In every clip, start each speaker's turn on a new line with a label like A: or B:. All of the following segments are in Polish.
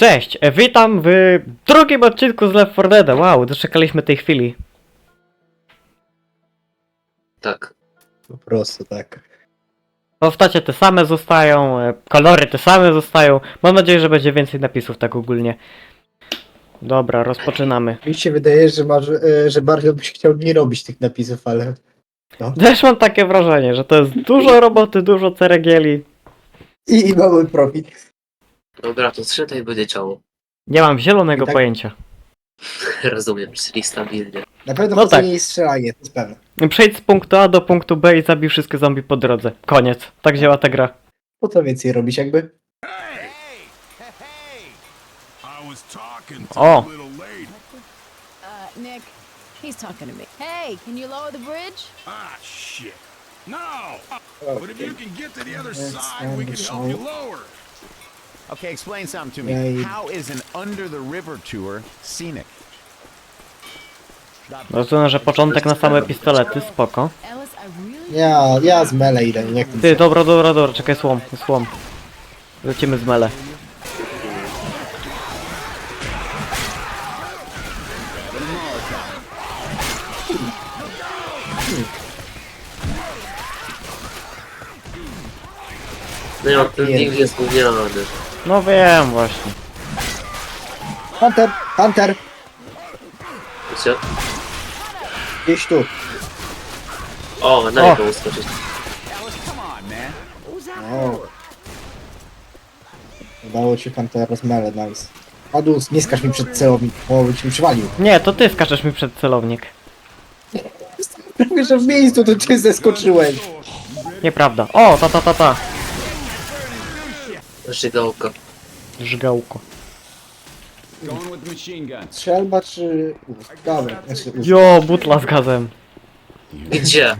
A: Cześć, witam w drugim odcinku z Left 4 Dead. Wow, doczekaliśmy tej chwili.
B: Tak.
C: Po prostu tak.
A: Postacie te same zostają, kolory te same zostają. Mam nadzieję, że będzie więcej napisów tak ogólnie. Dobra, rozpoczynamy.
C: Mi się wydaje, że bardzo byś chciał nie robić tych napisów, ale...
A: Też mam takie wrażenie, że to jest dużo roboty, dużo ceregieli.
C: I mamy profit.
B: Dobra, to strzelaj będzie ciało.
A: Nie mam zielonego
C: I tak-
A: pojęcia.
B: Rozumiem, czyli stabilnie.
C: Na pewno
A: No
C: no
A: tak.
C: nie jest strzelanie, to jest pewne.
A: Przejdź z punktu A do punktu B i zabij wszystkie zombie po drodze. Koniec. Tak działa ta gra.
C: Po co więcej robić jakby?
A: O!
D: Nick, he's talking to me. Hey, can you lower the bridge?
E: Ah, shit. No! But if you can get to the other side, we can help you lower.
F: Okay, explain something to me.
C: Yeah,
F: How is an under the river tour scenic?
A: Rozumiem, że początek na same pistolety, spoko.
D: Ellis, I really
C: Ja z mele idę, nie chcę.
A: Ty, dobra, czekaj, słom. Lecimy z mele.
B: No ja, ten
C: Nie.
B: nick jest gówniany.
A: No wiem właśnie.
C: Hunter!
B: Wiecie?
C: Gdzieś tu.
B: O, na niego uskoczyć.
F: Alice, come on, man.
C: O. Udało ci Huntera z mele, nice. Adus, nie skacz mi przed celownik, bo byś mi przywalił.
A: Nie, to ty skaczesz mi przed celownik.
C: Prawie, że w miejscu to ty zeskoczyłeś.
A: Nieprawda. O, ta.
B: Żygałka.
A: Żgałko.
F: Going with the machine gun.
C: Strzelba czy... Dobra, znaczy
A: Jo, butla z gazem.
B: Gdzie?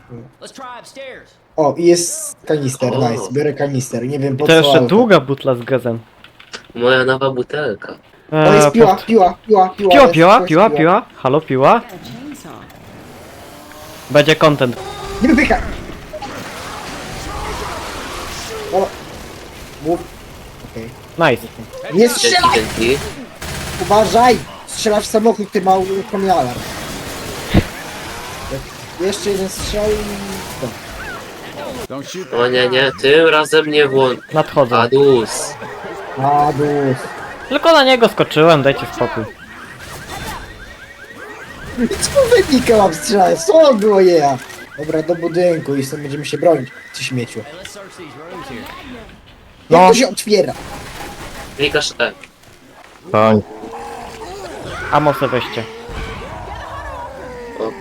C: O, i jest kanister,
B: O.
C: nice. Biorę kanister, nie wiem po
A: To
C: co,
A: jeszcze
C: ale...
A: długa butla z gazem.
B: Moja nowa butelka.
C: O, jest piła.
A: Piła. Halo, piła.
D: got a chainsaw.
A: Będzie content.
C: Nie wypychaj! Dobra. Mów. Okej.
A: Nice.
C: Nie strzelaj!
B: Dzięki.
C: Uważaj! Strzelasz w samochód, ty mały uruchomiony alarm. Jeszcze jeden strzał i...
F: Don't shoot
B: O nie, tym razem nie włącz.
A: Nadchodzę.
B: Adus.
C: Adus.
A: Tylko na niego skoczyłem, dajcie spokój.
C: Co wynika mam strzelać? Co było ja? Dobra, do budynku i stąd będziemy się bronić. Ty śmieciu.
A: No.
C: Jak to się otwiera?
B: Klikasz E.
A: Amosy weźcie.
B: Ok.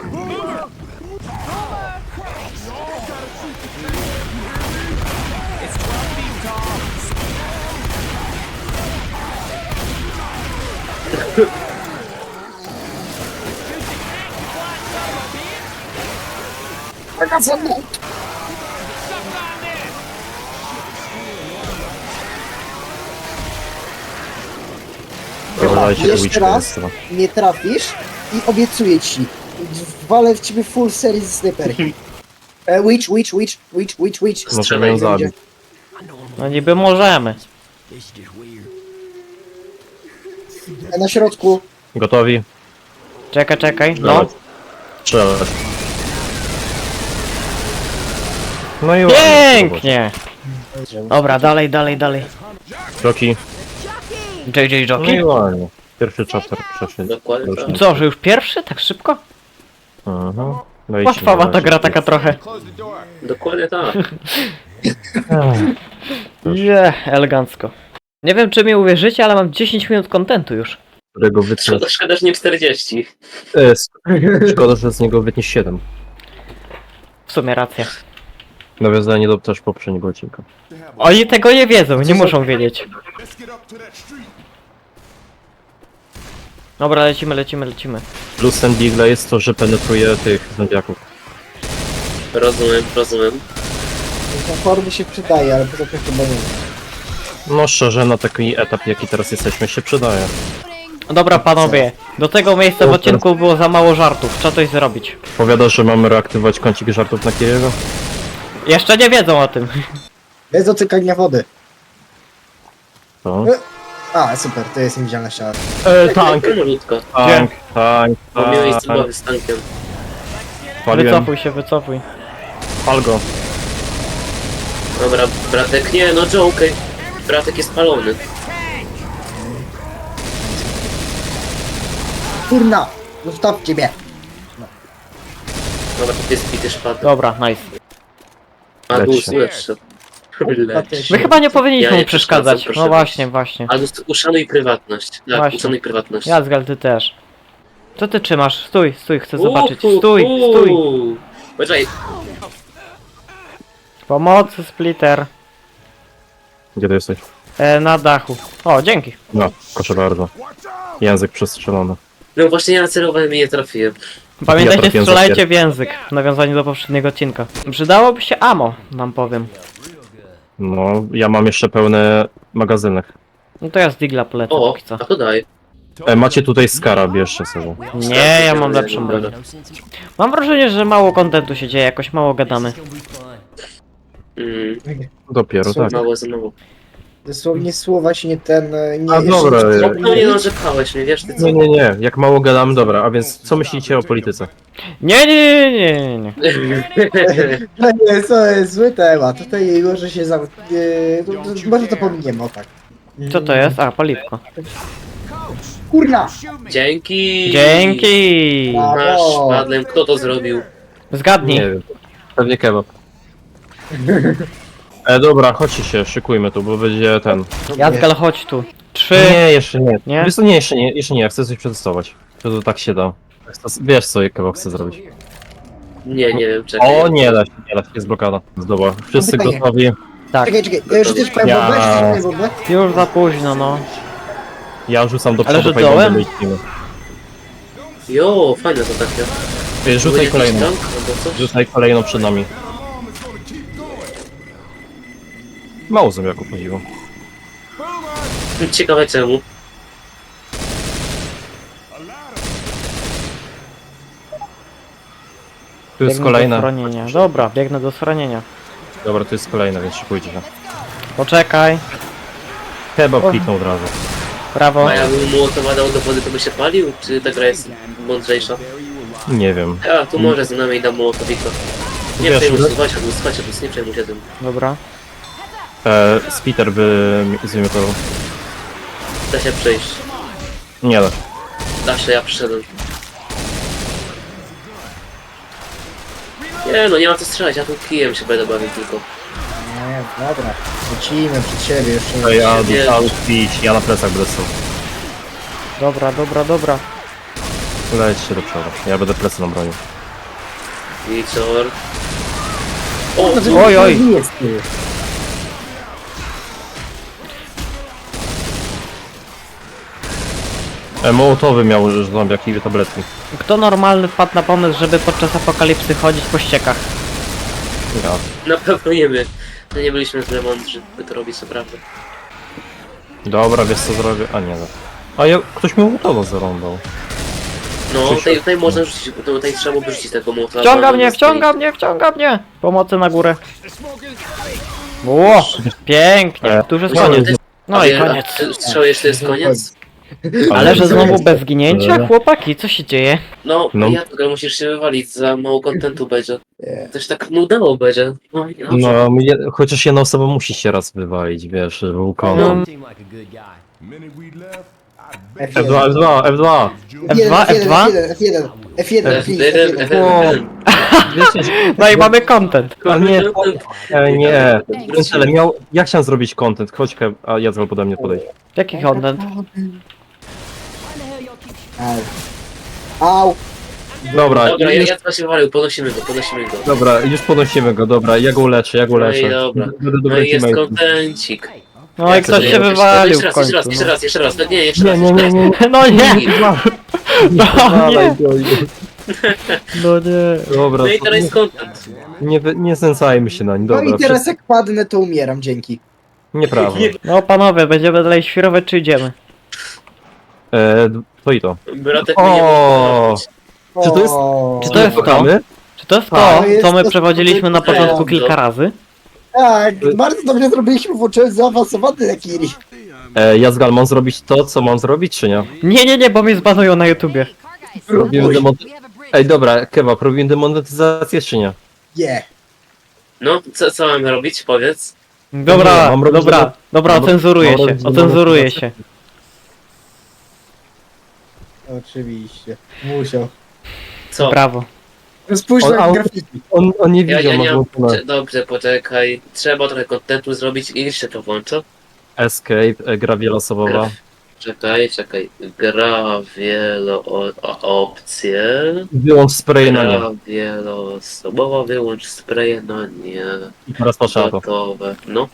C: Taka co? Chyba, jeszcze raz nie trafisz i obiecuję ci. Walę w ciebie full serii z snajperki. Witch.
B: Możemy ją
C: zabić.
A: No niby możemy.
C: Na środku.
G: Gotowi?
A: Czekaj. No.
G: Strzelać. No i
A: Pięknie. Dobra, dalej.
G: Kroki.
A: JJ
G: No i
A: Jockey.
G: ładnie. Pierwszy chapter przeszedł.
B: Dokładnie tak.
A: Co, że już pierwszy? Tak szybko?
G: Aha. No i
A: Łatwawa
G: ci
A: ta gra taka trochę.
B: Dokładnie tak.
A: Nie, elegancko. Nie wiem czy mi uwierzycie, ale mam 10 minut kontentu już.
G: Którego wytnę...
B: Szkoda, że nie 40.
G: Szkoda, że z niego wytnie 7.
A: W sumie racja.
G: Nawiązanie do też poprzedniego odcinka.
A: Oni tego nie wiedzą, nie muszą wiedzieć.
E: Let's get up to that street.
A: Dobra, lecimy.
G: Plus ten Digle jest to, że penetruje tych zębiaków.
B: Rozumiem.
C: Formy się przydaje, ale poza tym chyba nie.
G: No szczerze, na taki etap jaki teraz jesteśmy się przydaje.
A: Dobra panowie, do tego miejsca w odcinku było za mało żartów, trzeba coś zrobić.
G: Powiadasz, że mamy reaktywować kącik żartów na Kijewo?
A: Jeszcze nie wiedzą o tym.
C: Bez dotykania wody.
G: To?
C: A, super, to jest niewidzialna ściana.
G: Tank,
B: Malutko.
G: tank,
B: Bo miałeś
G: tank.
B: zabawy z tankiem.
G: Paliłem,
A: Wycofuj się, wycofuj.
G: pal go.
B: Dobra, bratek, nie, no Joker. Bratek jest palony.
C: Kurna! Zostawcie mnie!
B: Dobra, to jest bity szpad.
A: Dobra, nice.
B: Adus,
G: Leć
B: lecz. Lecz.
A: My chyba nie powinniśmy
B: Ja nie
A: mu przeszkadzać.
B: przeszkadzam,
A: No
B: proszę.
A: właśnie, właśnie.
B: Adus, uszanuj prywatność. Tak,
A: Właśnie.
B: uszanuj prywatność.
A: Jazgal, ty też. Co ty trzymasz? Stój, stój, chcę zobaczyć. Stój, stój.
B: Poczekaj,
A: Pomocy, splitter.
G: Gdzie ty jesteś?
A: Na dachu. O, dzięki.
G: No, proszę bardzo. Język przestrzelony.
B: no właśnie ja nacelowałem i nie trafiłem.
A: Pamiętajcie,
G: trafiłem za
A: strzelajcie w język. W nawiązaniu do poprzedniego odcinka. Przydałoby się ammo, wam powiem.
G: No, ja mam jeszcze pełny magazynek.
A: No to ja z Digla polecę
B: O,
A: póki co.
B: a to daj.
G: Macie tutaj Skara, bierzcie sobie.
A: Nie, ja mam lepszą broń. Mam wrażenie, że mało kontentu się dzieje, jakoś mało gadamy.
G: Dopiero, tak.
B: Mało za mało.
C: Dosłownie słowa się nie ten... Nie,
G: A dobra,
B: No nie narzekałeś mnie, wiesz ty co?
G: nie, jak mało gadamy, dobra, a więc co myślicie o polityce?
A: Nie.
C: No nie, to jest zły temat. Tutaj może się za... może to pominiemy, o tak.
A: Co to jest? A, paliwko.
C: Kurna!
B: Dzięki!
A: Dzięki!
B: Masz, padłem, kto to zrobił?
A: Zgadnij.
G: Nie wiem, pewnie kebab. Dobra, chodźcie się, szykujmy tu, bo będzie ten...
A: Jazgal, chodź tu. 3.
G: Nie, jeszcze nie.
A: Nie?
G: Wiesz co, nie, jeszcze nie, ja chcę coś przetestować. To tak się da. Wiesz co kebab chce zrobić.
B: Nie wiem, czekaj.
G: O, nie da się, jest blokada. Dobra, wszyscy
C: Pytanie.
G: gotowi.
A: Tak,
C: Czekaj, ja już też powiem,
G: Ja-
C: weź w ogóle.
A: już za późno, no.
G: Ja rzucam do
A: Ale
G: przodu,
A: że dołem?
G: lecimy.
B: Jo, fajne to takie.
G: Rzucaj
B: Jakiś
G: kolejną.
B: tank albo coś?
G: Rzucaj kolejną przed nami. Mało zombiaków chodziło.
B: Ciekawe czemu.
G: Tu jest
A: Biegnę do
G: kolejna.
A: schronienia. Dobra, biegnę do schronienia.
G: Dobra, tu jest kolejna, więc szykujcie się.
A: Poczekaj.
G: Kebab
A: O.
G: kliknął od razu.
A: Prawo.
B: A jakbym Mołotowa dał do wody, to by się palił? Czy ta gra jest mądrzejsza?
G: Nie wiem.
B: A, tu może z nami dam Mołotowika. Nie
G: Wiesz,
B: przejmuj
G: że-
B: się, słuchajcie, nie przejmuj się tym.
A: Dobra.
G: Spiter by zwymiotował.
B: Da się przejść.
G: Nie da.
B: Zawsze ja przyszedłem. Nie no, nie ma co strzelać, ja tu kijem się będę bawił tylko.
C: Nie, dobra. Lecimy przed siebie jeszcze.
G: To ja
B: Nie.
G: dostałem pić, ja na plecach będę stał.
A: Dobra.
G: Lećcie do przodu, ja będę plecy nam bronił.
B: Wicor. O,
A: Oj.
C: Nie jest ty.
G: Mołotowy miał zombiaki i tabletki.
A: Kto normalny wpadł na pomysł, żeby podczas apokalipsy chodzić po ściekach?
G: Ja.
B: na pewno nie my. No nie byliśmy tyle mądrzy, by to robić, co prawda.
G: Dobra, wiesz co zrobię? A nie no. A ja, ktoś mi Mołotowa zarąbał.
B: No,
G: Krzysiu.
B: tutaj można rzucić, tutaj trzeba byłoby rzucić tego Mołotowa.
A: Wciąga mnie! Pomocy na górę. Ło, pięknie, tu już jest koniec. No i koniec.
B: Strzał jeszcze jest koniec?
A: Ale że znowu bez zginięcia? Chłopaki, co się dzieje?
B: No,
G: No.
B: ja tylko musisz się wywalić, za mało kontentu będzie. Też tak nudało będzie. No, i dobrze.
G: No, chociaż jedna osoba musi się raz wywalić, wiesz, żeby był
A: No.
G: kontent.
E: Minute we left, I bet
C: F1,
G: F2.
A: F2, F2?
C: F1, F1,
B: F1,
G: O, wiecie,
A: No i mamy content.
G: a nie, nie. Ale ja chciałem zrobić content, chodź, a ja pode mnie podejdź.
A: Jaki content?
C: Au.
G: Dobra,
B: Dobra,
G: już,
B: ja teraz się wywalił, podnosimy go.
G: dobra, już podnosimy go, dobra, ja go uleczę.
B: No i dobra.
G: Będę
B: No
G: dobrym
B: i jest
G: teammate'em.
B: kontencik.
A: No i ktoś się wywalił w
B: Jeszcze raz,
A: końcu.
B: jeszcze raz. No nie, jeszcze raz.
G: Nie.
A: No nie! No
G: Dawaj
A: nie!
G: go.
A: No nie.
G: Dobra,
B: No i teraz jest content.
G: nie znęcajmy się na nim,
C: No
G: dobra.
C: i teraz jak padnę, to umieram, dzięki.
G: Nieprawda.
A: No panowie, będziemy dalej świrować czy idziemy?
G: To i to.
B: Bratek mnie nie
G: O.
B: mógł
G: Czy to jest-
A: Czy to jest to?
G: Kochamy?
A: Czy to jest
C: A,
A: to,
C: jest
A: co my
C: to-
A: przewodziliśmy na
C: to-
A: początku kilka razy?
C: Tak, bardzo dobrze zrobiliśmy, włączyłem zaawansowany Nakiri.
G: Jazgal, mam zrobić to, co mam zrobić, czy nie?
A: Nie, bo mnie zbanują na YouTubie.
G: Robimy demonetyzację. Ej, dobra, Kebab, robimy demonetyzację, czy nie?
C: Yeah.
B: No, co mamy robić? Powiedz.
A: Dobra,
G: Nie, mam robić
A: dobra,
G: mam-
A: ocenzuruję
G: mam
A: się,
G: robić
A: ocenzuruję się.
C: Oczywiście. Musiał.
B: Co?
A: Brawo.
C: Spójrz
G: On-
C: na
G: on-
C: grafiki.
G: On nie
B: Ja
G: widział,
B: nie
G: ma
B: mam...
G: włączone.
B: Dobrze, poczekaj. Trzeba trochę kontentu zrobić i jeszcze to włączę.
G: Escape, gra wieloosobowa.
B: Czekaj. Gra opcje.
G: Wyłącz spray na nie.
B: Gra wieloosobowa, wyłącz spraye na nie.
G: I teraz patrzę na to.
B: Gotowe. No.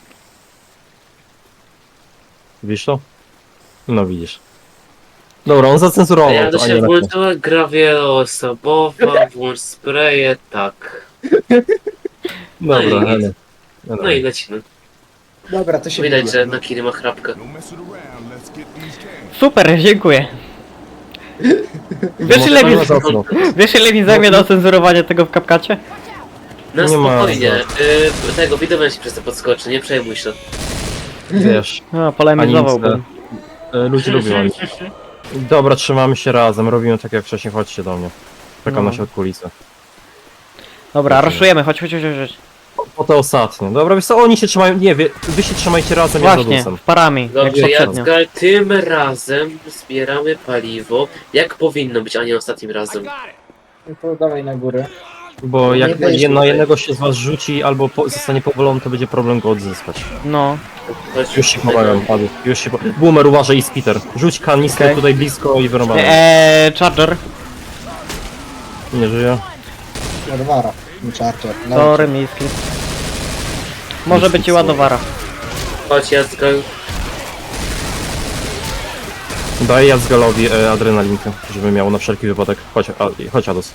G: Widzisz to? No widzisz. Dobra, on zacenzurował
B: Ja to
G: to, a
B: się
G: nie na
B: włączyła gra wieloosobowa, włącz spraye, tak.
G: Dobra,
B: No i-
G: ale...
B: No i lecimy.
C: Dobra, to się
B: Widać,
C: wybiła.
B: że na Kiri ma chrapkę.
E: No messing around. Let's get these games.
A: Super, dziękuję. Wiesz ile mi zajmie do ocenzurowania tego w CapCutie?
B: Na
G: Nie ma
B: spokojnie. Tego widowem się przez to podskoczy, nie przejmuj się.
G: Wiesz,
A: No, polemizowałbym.
G: ludzie lubią anime. Dobra, trzymamy się razem, robimy tak jak wcześniej, chodźcie do mnie. Czekam
A: No.
G: na środku kulisy.
A: Dobra, raszujemy, chodź.
G: Po to ostatnie. Dobra, wiesz co, oni się trzymają, nie, wy się trzymajcie razem, ja za
A: Właśnie,
G: dusem.
A: parami, jak
B: Dobrze,
A: poprzednio.
B: Jacgal, tym razem zbieramy paliwo, jak powinno być, a nie ostatnim razem.
C: No to dawaj na górę.
G: Bo jak
C: Nie byliśmy
G: na
C: tutaj.
G: jednego się z was rzuci albo zostanie powolony, to będzie problem go odzyskać.
A: No,
B: Chodź,
G: Już się pomagam, Adu, już się Boomer, uważaj i Spiter. Rzuć kanistrę
A: Okej.
G: tutaj blisko i wyrąbamy.
A: Charger,
G: Nie żyje?
C: Ładowara. Charger. No,
A: sorry, miski. Może być i ładowara.
B: Chodź, Jacgal.
G: Daję Jazgalowi adrenalinkę, żeby miał na wszelki wypadek. Chodź Adus.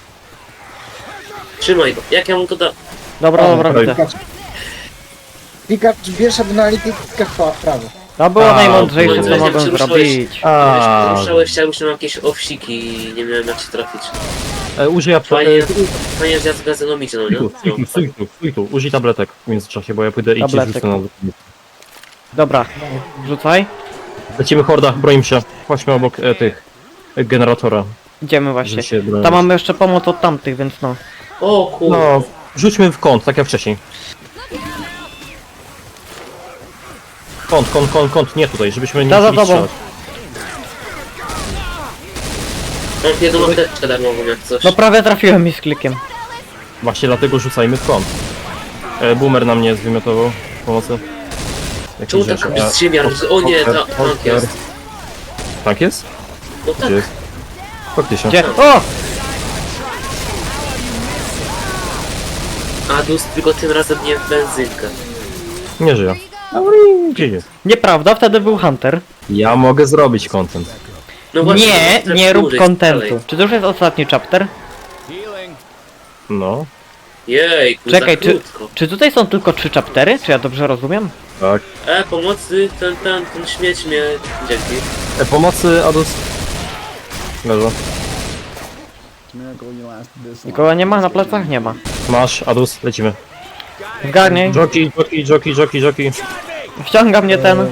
B: Trzymaj go. Jak ja mu to da...
A: Dobra,
G: dobra,
A: widzę.
C: Klikasz, bierz adrenalinkę, klikasz prawo.
A: To było
G: A,
A: najmądrzejsze,
G: okej.
A: co mogłem
B: Przepraszałeś.
A: zrobić.
G: A,
B: Ruszałeś, chciałbym, że mam jakieś owsiki i nie miałem jak się trafić.
G: użyj
B: Fajnie, że Jacgal ze mną idzie, no nie?
G: stój tu, użyj tabletek w międzyczasie, bo ja pójdę i ci
A: Tabletek.
G: rzucę na...
A: Dobra, rzucaj.
G: Lecimy horda, broń się. Chodźmy obok tych generatora.
A: Idziemy
G: żeby
A: właśnie.
G: się bronić.
A: Tam mamy jeszcze pomoc od tamtych, więc no.
B: O kurde.
G: No, rzućmy w kąt, tak jak wcześniej. Kąt, nie tutaj, żebyśmy nie
A: Za
G: musieli
A: tobą.
G: strzelać.
B: Mam jedną apteczkę darmową, jak coś.
A: No prawie trafiłem mi z klikiem.
G: Właśnie dlatego rzucajmy w kąt. Boomer na mnie zwymiotował pomocy.
B: Czemu tak przymiar? O nie, tank jest.
G: Tak jest?
B: No tak.
G: Gdzie jest? Faktycznie.
A: Gdzie? O!
B: Adus, tylko tym razem nie w benzynkę.
G: Nie żyje. Gdzie jest?
A: Nieprawda, wtedy był Hunter.
G: Ja mogę zrobić content.
B: No właśnie,
A: Nie,
B: chcę
A: nie rób
B: dłużej
A: kontentu.
B: dalej.
A: Czy to już jest ostatni chapter?
F: Healing.
G: No,
B: Jej,
A: Czekaj,
B: za krótko.
A: Czy tutaj są tylko 3 chaptery? Czy ja dobrze rozumiem?
G: tak.
B: Pomocy, ten śmieć mnie... Dzięki.
G: Pomocy, Adus. Leżę.
A: Nikogo nie ma, na plecach nie ma.
G: Masz, Adus, lecimy.
A: Zgarnij,
G: Joki.
A: wciąga mnie ten,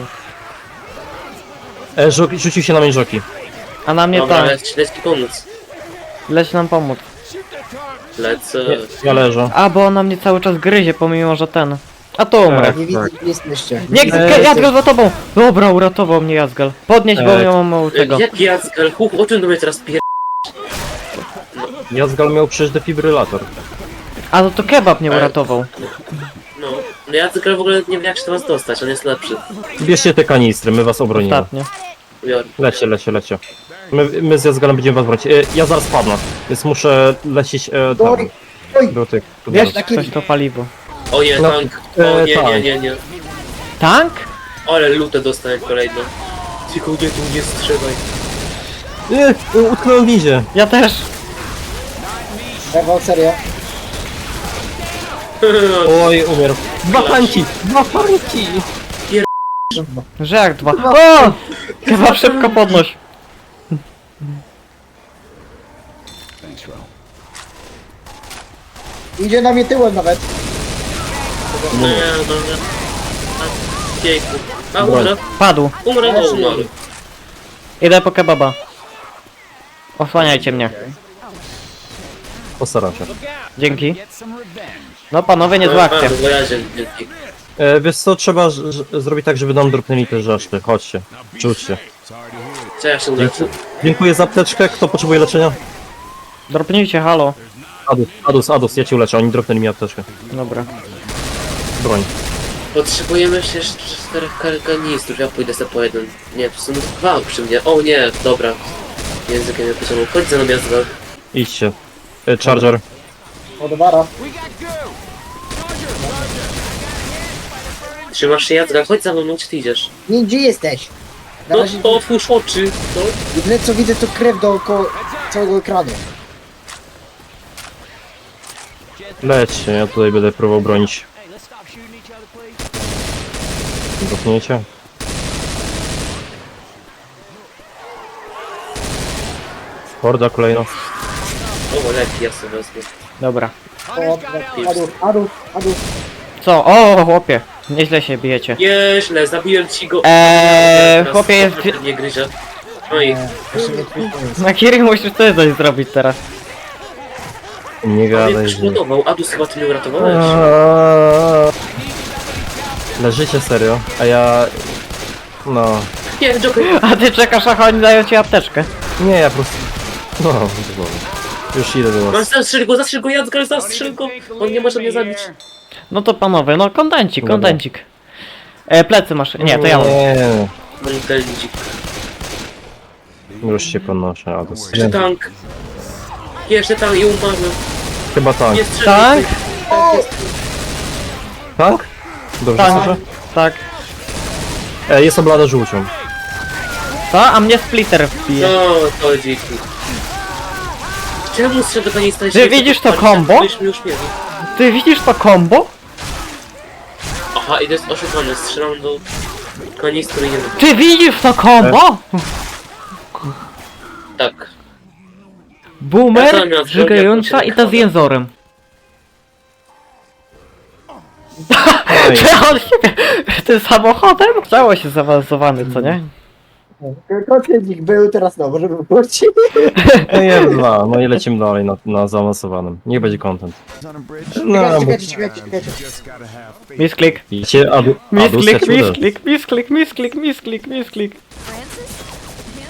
G: Rzucił się na mnie joki.
A: a na mnie
B: Dobra,
A: tam.
B: leć ci pomóc.
A: Leć nam pomóc.
B: Lecę.
G: Ja leżę.
A: A, bo ona mnie cały czas gryzie, pomimo że ten. A to umrę.
C: Nie widzę, gdzie jesteście.
A: Nie,
G: Eee,
A: Jazgal za tobą! Dobra, uratował mnie Jazgal. Podnieś, bo
G: Eee.
A: ja mam mało tego.
B: Jak Jacgal? O czym do mnie teraz pier...
G: Jazgal miał przecież defibrylator.
A: A no to kebab mnie uratował.
B: No. No Jacgal w ogóle nie wie jak się do was dostać, on jest lepszy.
G: Bierzcie te kanistry, my was obronimy.
A: Ostatnio.
B: Biorę.
G: Lecie. My z Jazgalem będziemy was bronić. Ja zaraz padnę, więc muszę lecieć tam.
C: Oj, oj,
G: Do tych.
A: Wiesz,
C: Taki-
A: ktoś to paliwo.
B: O nie,
G: No,
B: tank. O nie,
G: tank.
B: nie.
A: Tank?
B: Ale lutę dostałem kolejną. Tylko nie tu nie strzelaj.
G: Utknąłem w windzie.
A: Ja też.
C: Ewa, serio.
G: Oj, umierł. Dwa tanki!
A: Że jak dwa. O! Kebab szybko podnoś.
F: Thanks, Ro.
C: Idzie na mnie tyłem nawet.
B: No. Pięknie. A umrę,
A: Padł.
B: umrę, o umarł.
A: Idę po kebaba. Osłaniajcie mnie.
G: Postaram się.
A: Dzięki. No panowie, niezła akcja.
B: Bo ja dzięki.
G: Wiesz co, trzeba zrobić tak, żeby nam dropnęli te rzeczy. Chodźcie, rzućcie.
B: Co ja się uleczę?
G: Dziękuję za apteczkę. Kto potrzebuje leczenia?
A: Dropnijcie, halo.
G: Adus, ja cię uleczę. Oni dropnęli mi apteczkę.
A: Dobra.
G: Broń.
B: Potrzebujemy jeszcze 4 karganistów, ja pójdę sobie po jeden. Nie, to są 2 przy mnie. O nie, dobra. Językiem nie pociągnął. Chodź za nami, jazda.
G: Idźcie. Charger.
C: Odwara.
B: Trzymasz się, jazda, chodź za mną, gdzie ty idziesz?
C: Nie, gdzie jesteś? Na
B: No
C: razie
B: to otwórz oczy, no.
C: jedyne co widzę to krew dookoła całego ekranu.
G: Lećcie, ja tutaj będę próbował bronić. Dropniecie? Horda kolejna.
B: O, lepiej, ja sobie wezmę.
A: Dobra.
C: O, Adus.
A: Co? O, chłopie. Nieźle się bijecie.
B: Nieźle, zabiłem ci go.
A: Chłopie jest...
B: Nie gryzie. No i
C: Jeszcze nie twój pomysł.
A: Na Kiri musisz coś zrobić teraz.
G: Nie
B: on mnie
G: gadaj, że...
B: przygotował. Adus, chyba ty mnie uratowałeś.
G: Leżycie serio, a ja... No...
B: Nie, Joker.
A: A ty czekasz, a oni dają ci apteczkę.
G: Nie, ja po prostu... No, dobra. Już idę do
B: Mam
G: was.
B: zastrzel go, Jacka, zastrzel go. On nie może mnie zabić.
A: No to panowie, no kontencik. Plecy masz. Nie, to ja mam.
G: Nie,
B: Mój pędzik.
G: już się podnoszę, Adus.
B: Jeszcze tank. Jeszcze tam i umarłem.
G: Chyba tank.
B: Nie strzelaj.
A: Tak?
G: Tank? Dobrze
A: Tak.
G: słyszę?
A: Tak.
G: Jest oblada żółcią.
A: Co? A mnie splitter wbije.
B: No, to dziki. Czemu strzelę do niej stać?
A: Ty widzisz to combo?
B: Już mieli.
A: Ty widzisz to combo?
B: Aha, i to jest oszukane. Strzelam do kanistru i nie wiem.
A: Ty widzisz to combo?
B: Tak. Ja
A: Boomer,
B: zamiast
A: żygająca
B: zrobię
A: i ta z jęzorem.
G: Ej,
A: Czy on siebie tym samochodem? Cało się zaawansowany, co nie?
C: Kociedzik był, teraz no, możemy wrócić.
G: nie dwa, no i lecimy dalej na zaawansowanym. Niech będzie content.
E: On a bridge.
G: No, bo...
C: Czekajcie.
E: Just gotta have faith.
A: Misklik.
G: Idzie Adus, ja cię uderzę.
A: Misklik.
D: Francis? Him?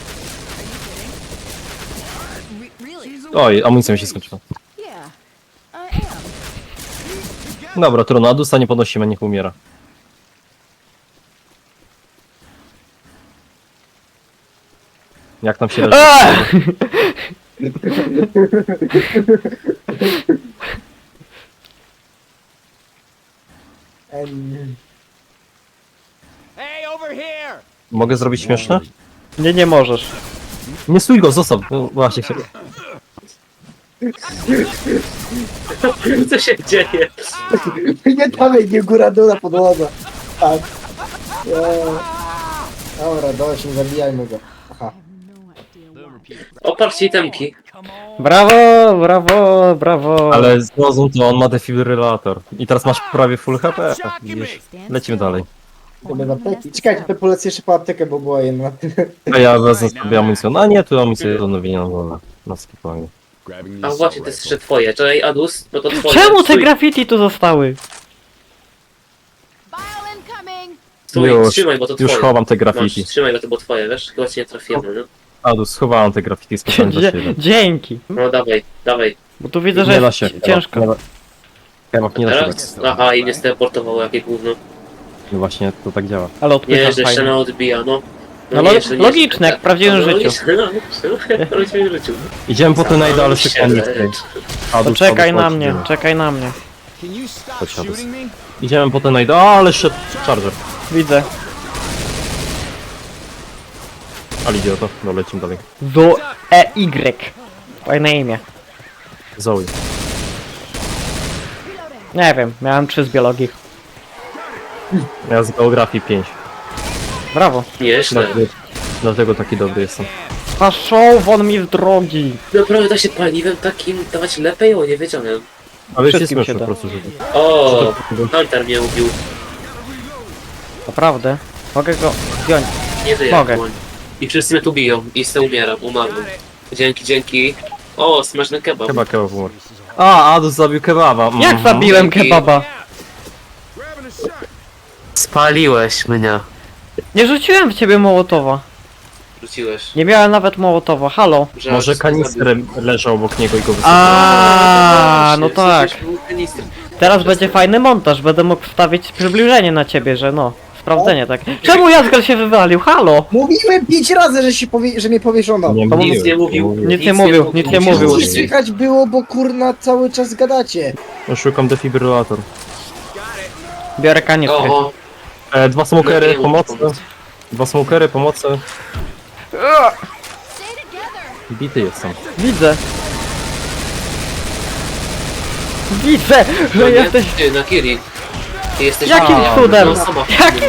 D: Are you kidding? Really?
G: Oj, amunicja mi się skończyła.
D: Yeah, I am.
G: Dobra, trudno, Adusa nie podnosimy, niech umiera. Jak tam się leży?
F: Hey, over here!
G: Mogę zrobić śmieszne?
A: Nie możesz.
G: Nie stój go, zostaw. No, właśnie się...
B: Co się dzieje?
C: Nie dawaj, nie góra dół na podłodze. Tak. Dobra, dość, nie zabijajmy go. Aha.
B: Oparcie itemki.
A: Brawo.
G: Ale zrozum to, on ma defibrylator. I teraz masz prawie full HP. Widzisz? Lecimy dalej.
C: To bez apteki. Czekajcie, to polecę jeszcze po aptekę, bo była jedna.
G: A ja wezmę sobie amunicję. No nie, tu amunicję do nowienia na dole. Na spokojnie.
E: Grabbing
B: A
E: the
B: właśnie, to jest jeszcze twoje. Czekaj, Adus, no to twoje.
A: Czemu te
B: Stój,
A: graffiti tu zostały?
D: Bile incoming!
B: Stój,
G: Już,
B: trzymaj, bo to
G: już
B: twoje.
G: chowam te
B: Masz,
G: graffiti.
B: trzymaj, bo to było twoje, wiesz? Chyba cię nie trafiłem, no.
G: Adus, schowałem te graffiti specjalnie dla ciebie.
A: Dzięki.
B: No dawaj.
A: Bo tu widzę, że
G: Nie da
A: jest
G: się.
A: ciężko.
G: Kebab nie da się tak.
B: Teraz? Aha, i mnie steleportowało, jakie gówno.
G: No właśnie, to tak działa.
A: Ale
B: Nie,
A: odpycham
B: że jeszcze
A: fajnie.
B: na odbija, no.
A: No logiczne, jak w prawdziwym życiu.
B: Logiczne, no, jak w prawdziwym życiu.
G: Idziemy po te najdę, sekundy.
A: To czekaj na mnie.
F: Can you stop
G: Chodź, Adus.
F: shooting me?
G: Idziemy po te najdę, ale szedł charger.
A: Widzę.
G: Ale idiota, no lecimy dalej.
A: Do EY. Fajne imię.
G: Zoe.
A: Nie wiem, miałem 3 z biologii.
G: Ja z geografii 5.
A: Brawo.
B: Nieźle.
G: Dlatego taki dobry jestem.
A: A show won mi z drogi.
B: Naprawdę da się paliwem takim dawać lepiej? O, nie wiedziałem.
G: Ale jest
A: Wszystkim się
G: śmieszne
A: da.
G: po prostu, że...
B: O, Hunter mnie ubił.
A: Naprawdę. Mogę go zdjąć.
B: Nie żyję.
A: Mogę.
B: Dłoń. I wszyscy mnie tu biją. I se umieram, umarłem. Dzięki. O, smażny kebab.
G: Kebab umarł. A, Adus zabił kebaba.
A: Jak zabiłem
B: Dzięki.
A: kebaba?
E: Grabbing a shot.
B: Spaliłeś mnie.
A: Nie rzuciłem w ciebie mołotowa.
B: Rzuciłeś.
A: Nie miałem nawet mołotowa. Halo.
B: Że
G: Może
B: Adus
G: kanister leżał obok niego i go wysypał.
A: A, no tak.
B: Kanister.
A: Teraz będzie fajny montaż. Będę mógł wstawić przybliżenie na ciebie, że no. Sprawdzenie tak. Czemu Jazgal się wywalił? Halo!
C: Mówiłem 5 razy, że mnie powieszono.
G: Nie
A: To
B: nic nie mówił.
A: Nic nie mówił, nic nie mówił.
C: Przecież słychać było, bo kurna cały czas gadacie.
G: No, szukam defibrylator.
A: Biorę kanistry.
B: O,
G: Dwa smokery,
B: No,
G: pomocy.
B: pomoc.
G: Dwa smokery, pomocy.
D: Stay together.
G: Bity jestem.
A: Widzę. Widzę,
B: no
A: że
B: nie,
A: jesteś...
B: ty, na Kiri. Ty jesteś
A: Jakim
B: A,
A: cudem?
B: no, sama
A: Jakim-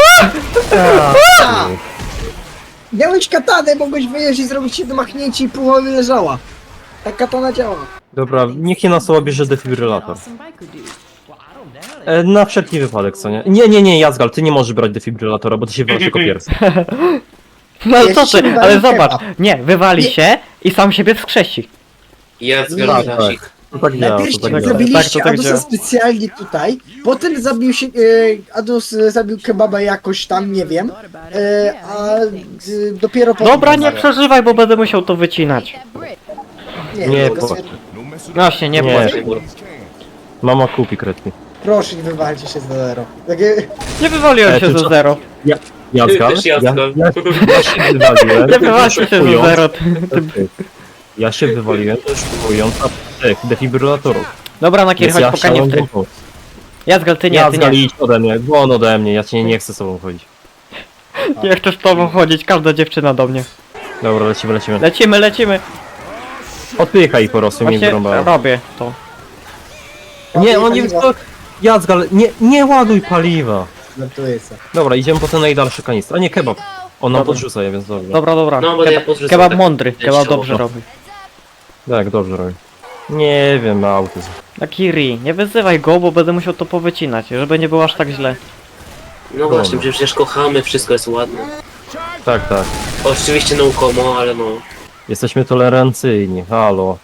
C: A! Miałeś katanę, mogłeś wyjeść i zrobić jedno machnięcie i pół leżała. Tak katana działa.
G: Dobra, niech nie nas bierze defibrylator.
D: Awesome biker dude.
G: Na wszelki wypadek, co nie? Nie, Jazgal, ty nie możesz brać defibrylatora, bo ty się wywalisz jako pierwszy.
A: No ale
C: Ja
A: co
C: ci
A: ty,
C: wywalił
A: ale zobacz.
C: kebab.
A: Nie, wywali
C: Nie.
A: się i sam siebie wskrzesi.
B: Jest
C: Nie.
B: garażik.
G: To tak działa,
C: Najpierw
G: to tak
A: działa.
G: działa.
C: zrobiliście
A: Tak, to tak
C: Adusa
A: działa.
C: specjalnie tutaj, potem zabił się, Adus zabił kebaba jakoś tam, nie wiem,
D: Thought about it.
C: a
D: Yeah, things.
C: dopiero potem...
A: Dobra, nie przeżywaj, bo będę musiał to wycinać.
D: That bridge.
G: Nie,
C: tylko
G: płacz.
E: No messing
A: Właśnie, nie
G: Nie.
A: płacz.
G: Mama kupi kredki.
C: proszę, nie wywalcie się z zero. Takie...
A: Nie wywaliłem się
G: ty
A: ze
G: co?
A: zero.
G: Jazgal?
B: Też Jazgal.
G: Ja się wywaliłem.
A: Nie wywaliłem się ze
G: szukując-
A: zero.
G: Ja się wywaliłem, szukując tych defibrylatorów.
A: Dobra, na kier,
G: Więc
A: chodź
G: ja
A: po
G: chciałem
A: kanistry.
G: pomóc.
A: Jazgal, ty nie, ty
G: Jazgal,
A: nie.
G: idź ode mnie, on ode mnie, ja cię nie chcę z tobą chodzić.
A: Nie chcę z tobą chodzić, każda dziewczyna do mnie.
G: Dobra, lecimy.
A: Lecimy.
G: Odpychaj ich po prostu, mnie
A: Właśnie
G: wyrąbałem.
A: robię to.
G: Nie, on nie... Jazgal, nie ładuj paliwa.
C: Żartuję sobie.
G: Dobra, idziemy po ten najdalszy kanister. A nie, kebab. On nam
A: Dobra.
G: podrzuca je, więc dobrze.
A: Dobra.
B: No, bo ja podrzucam
A: Kebab
B: tak
A: mądry, kebab
B: częściowo.
A: dobrze robi.
G: Tak, dobrze robi. Nie wiem, ma autyzm.
A: Na Kiri, nie wyzywaj go, bo będę musiał to powycinać, żeby nie było aż tak źle.
B: No właśnie, przecież kochamy, wszystko jest ładne.
G: Tak.
B: Oczywiście no komo, ale no.
G: Jesteśmy tolerancyjni, halo.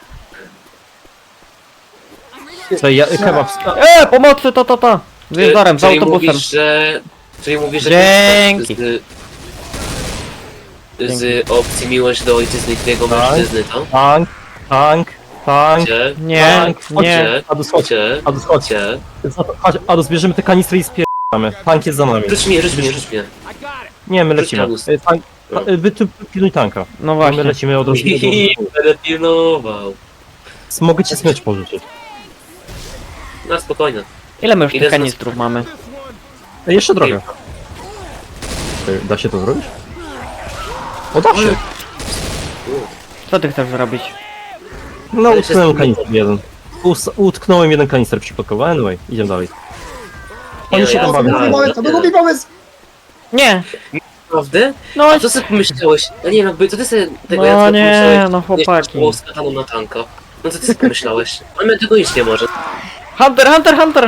G: Co, kebab...
A: Pomocy, ta. Z jezdorem, z
B: Czyli
A: autobusem.
B: Czyli mówisz, że
A: Dzięki.
B: z opcji miłość do ojczyzny i jego
G: Tak.
B: mężczyzny, to?
G: Tank.
B: Gdzie?
A: Nie,
B: Tak,
A: nie.
B: Chodźcie,
G: Adus, chodź.
B: chodźcie,
G: Adus, chodź.
B: chodźcie.
G: Chodź, Adus, bierzemy te kanistry i spierdamy. Tank jest za nami.
B: Rzuć mnie.
F: I got it.
G: Nie, my
B: Rzuć
G: lecimy.
B: Adus.
G: Tank, wy tu pilnuj tanka.
A: No
G: My
A: właśnie.
G: lecimy od razu.
B: I będę pilnował.
G: Mogę ci smycz pożyczyć.
B: Na spokojnie.
A: Ile my już
B: Ile
A: tych
B: z nas-
A: kanistrów mamy?
G: Jeszcze trochę. Da się to zrobić? O, da się.
A: Co ty chcesz zrobić?
G: No,
B: Ale
G: utknąłem
B: się
G: kanister jeden. Utknąłem jeden kanister przypadkowo. Anyway, idziemy dalej. Oni się tam
C: To był
G: bawią.
C: mój pomysł, to był mój pomysł!
A: Nie!
B: Naprawdę?
A: No,
B: A co sobie pomyślałeś? Ja nie wiem, jakby co ty sobie tego
A: No
B: Jacka
A: nie,
B: pomyślałeś?
A: no chłopaki.
B: Nie, było z kataną na tanka. No co ty sobie pomyślałeś? On mnie tego iść nie może.
A: Hunter!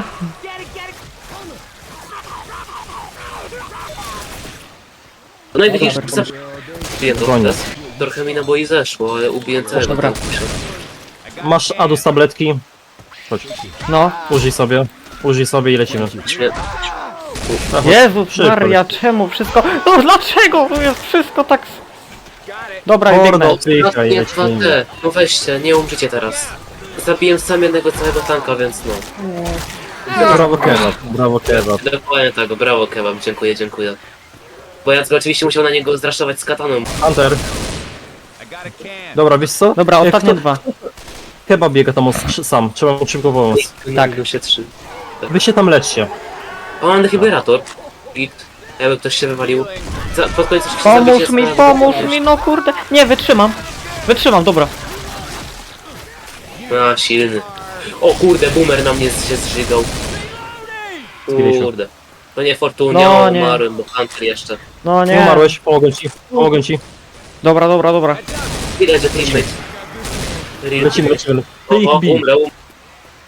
B: No i widzisz,
A: Dobra,
B: zabiję to
G: Koniec.
B: teraz. Trochę mi naboi zeszło, ale ubiję całego
A: Dobra.
B: tankusia.
G: Masz Adus tabletki. Chodź,
A: No.
G: użyj sobie i lecimy.
B: Śmie-
A: Jezus
G: szybko.
A: Maria, czemu wszystko... No dlaczego to jest wszystko tak... Dobra, i biegnę.
G: Mordo, pychaj,
B: Nie,
G: lecimy.
B: no weźcie, nie umrzycie teraz. Zabiłem sam jednego całego tanka, więc no.
G: Brawo kebab.
B: Dokładnie tak, brawo kebab, dziękuję. Bo ja oczywiście musiał na niego zraszować z kataną.
G: Hunter,
F: I got a can.
G: dobra, wiesz co?
A: Dobra,
G: Jak
A: ostatnie
G: to-
A: dwa.
G: Kebab biega tam sam, trzeba mu szybko pomóc.
B: Tak. Się 3.
G: Wy się tam leczcie.
B: O, mam defibrillator. Git. Jakby ktoś się wywalił. Pod koniec jeszcze
A: Pomóż mi, no kurde. Nie, wytrzymam, dobra.
B: A, silny. O kurde, boomer na mnie się zżygał.
G: Zbiliśmy.
B: Kurde. To nie Fortunia,
A: No, nie.
B: umarłem, bo Hunter jeszcze.
A: No
G: Nie
A: nie.
G: umarłeś, pomogę ci.
A: Dobra.
B: Widać, że teammate.
G: Lecimy. Ty
B: O,
G: ich bij.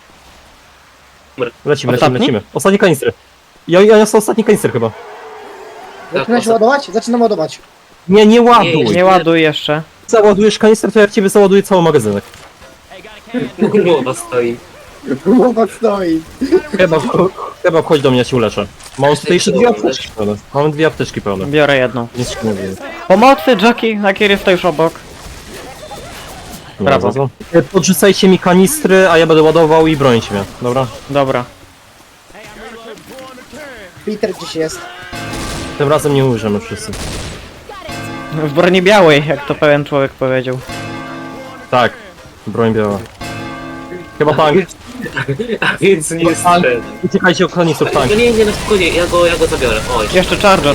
B: umrę.
G: Lecimy.
A: Ostatni?
G: Ostatni kanistry. Ja niosę ostatni kanister chyba.
C: Zaczynacie ładować? Zaczynam ładować.
G: Nie ładuj!
A: Nie ładuj jeszcze.
G: Załadujesz kanister, to ja w ciebie załaduję cały magazynek.
B: Głowa stoi.
C: Głowa stoi.
G: Chyba wchodź do mnie, ja cię uleczę. Mam tutaj jeszcze 2 apteczki pełne. Mam 2 apteczki pełne.
A: Biorę jedną.
G: Nic się nie dzieje.
A: Pomocy, Jackie, Nakir jest to już obok.
G: Nie
A: Brawo.
G: ma za co. Podrzucajcie mi kanistry, a ja będę ładował i brońcie mnie, dobra?
A: Dobra.
C: Peter gdzieś jest.
G: Tym razem nie umrzemy wszyscy.
A: W broni białej, jak to pewien człowiek powiedział.
G: Tak, broń biała. Chyba tank.
B: A więc nie jest
G: Tank. Uciekajcie od kanistrów, tank.
B: No nie, no spokojnie, ja go zabiorę. Oj.
A: Jeszcze Charger.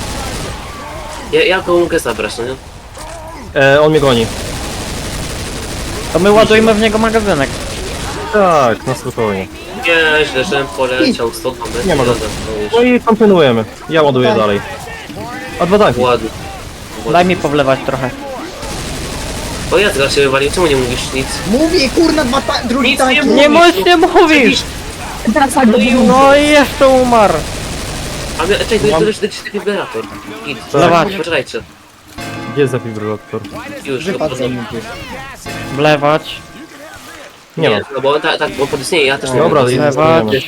B: Ja go mogę zabrać, no nie?
G: On mnie goni.
A: To my ładujmy w niego magazynek.
G: Tak, na spokojnie.
B: Nie, źle, żebym poleciał stąd.
G: Nie ma
B: go.
G: go. No i kontynuujemy. Ja ładuję
C: Tak.
G: dalej. A 2 tanki.
B: Ładnie.
A: Daj mi powlewać trochę.
B: O ja teraz się wywalił, czemu nie mówisz nic?
C: Mówię, kurna, drugi
B: Nic
C: tank.
B: nie
A: Nie
B: Mówisz,
A: nie mówisz! No i jeszcze umarł.
B: A my, czekaj, to już jakiś defibrillator. Idź.
A: Dawać.
B: Poczekajcie.
G: Gdzie jest defibrylator?
B: Już,
C: Wypadł
B: go
C: ze mnie.
A: Wlewać.
G: Nie ma.
B: No bo tak, bo podistnieje, ja też nie
G: Dobra,
B: wiem.
A: Wlewać.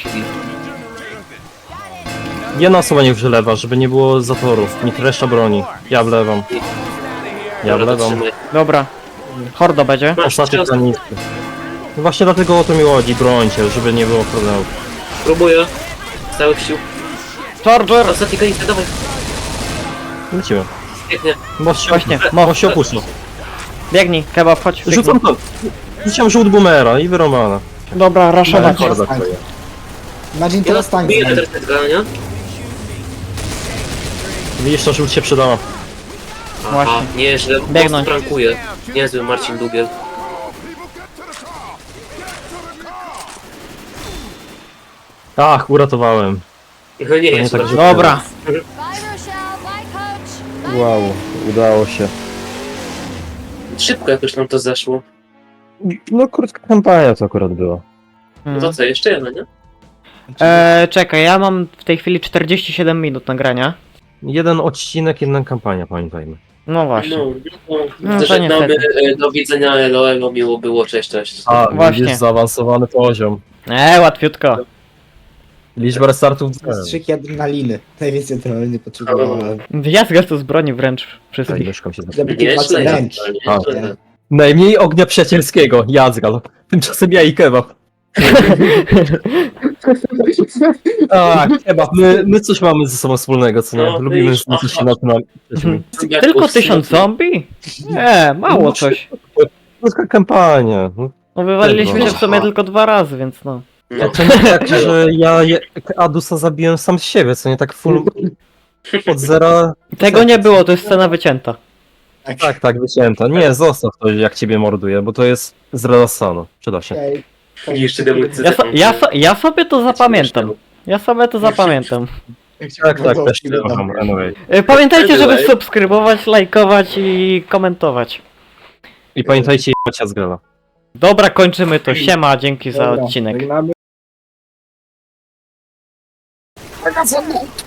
G: Jedna osoba niech wylewa, żeby nie było zatorów. Niech reszta broni. Ja wlewam. Ja
B: Dobra, to
G: wlewam.
B: trzymaj.
A: Dobra. Hordo będzie.
B: Masz,
G: Ostatnie
B: trzy
G: kanistry. No właśnie dlatego o to mi chodzi, brońcie, żeby nie było problemu.
B: Próbuję. Z całych sił.
A: Charger!
B: Ostatni kanister, dawaj.
G: Lecimy.
B: Pięknie.
G: Most się,
A: Właśnie,
G: most się opuszcza.
A: Biegnij, kebab, chodź.
G: Rzucam to. Rzuciłem żółt boomera i wyrąbana.
A: Dobra, raszować.
C: Dobra. Imagine
B: Ja
C: teraz tank
B: biję
C: znajdzie.
B: teraz tego, nie?
G: Widzisz, to żółt się przydała.
B: Aha,
A: Właśnie.
B: nieźle.
A: Biegnąć.
B: Prankuje. Niezły Marcin Dubiel.
G: Ach, uratowałem.
B: No nie
G: To
B: jest
G: nie tak, że-
A: Dobra.
D: Bye, Rochelle. Bye, Coach.
G: Wow, udało się.
B: Szybko jakoś nam to zeszło.
G: No krótka kampania to akurat była.
B: No to co, jeszcze jedna, nie?
A: Czekaj, ja mam w tej chwili 47 minut nagrania.
G: Jeden odcinek, jedna kampania, pamiętajmy.
A: No właśnie.
B: No,
A: to
B: żegnamy,
A: niestety.
B: do widzenia, elo, miło było, cześć, cześć.
G: A,
A: Właśnie.
G: widzisz, zaawansowany poziom.
A: Łatwiutko.
G: Liczba restartów.
C: Strzyki adrenaliny. Najwięcej adrenaliny potrzebowałem.
A: Wyjazga tu z broni wręcz
G: Tak,
A: wszystkich.
G: myszką się
C: Żeby
B: Nie,
C: walce
B: źle,
C: wręcz.
B: nie?
G: Najmniej ognia przyjacielskiego, Jadzgal. Tymczasem ja i kebab. Tak, kebab. My coś mamy ze sobą wspólnego, co nie?
B: No,
G: Lubimy
B: wiesz,
G: znaleźć się na tym.
A: Tylko 1000 zombie? Mało coś.
G: Krótka kampania. No,
A: No wywaliliśmy się w
B: Aha.
A: sumie tylko 2 razy, więc no.
B: No.
G: to nie tak, że ja Adusa zabiłem sam z siebie, co nie tak full od zera.
A: Tego nie było, to jest scena wycięta.
G: Tak, wycięta. Nie, zostaw to, jak ciebie morduje, bo to jest z Relasano. Przyda się.
C: Okej.
B: Jeszcze demolicy.
A: Ja sobie to zapamiętam. Ja sobie to zapamiętam.
G: Tak, też nie kocham. Anyway.
A: Pamiętajcie, żeby
B: Anyway.
A: subskrybować, lajkować i komentować.
G: I pamiętajcie, jebać Jadzgala.
A: Dobra, kończymy to. Siema, dzięki za
C: Dobra,
A: odcinek.
C: żegnamy.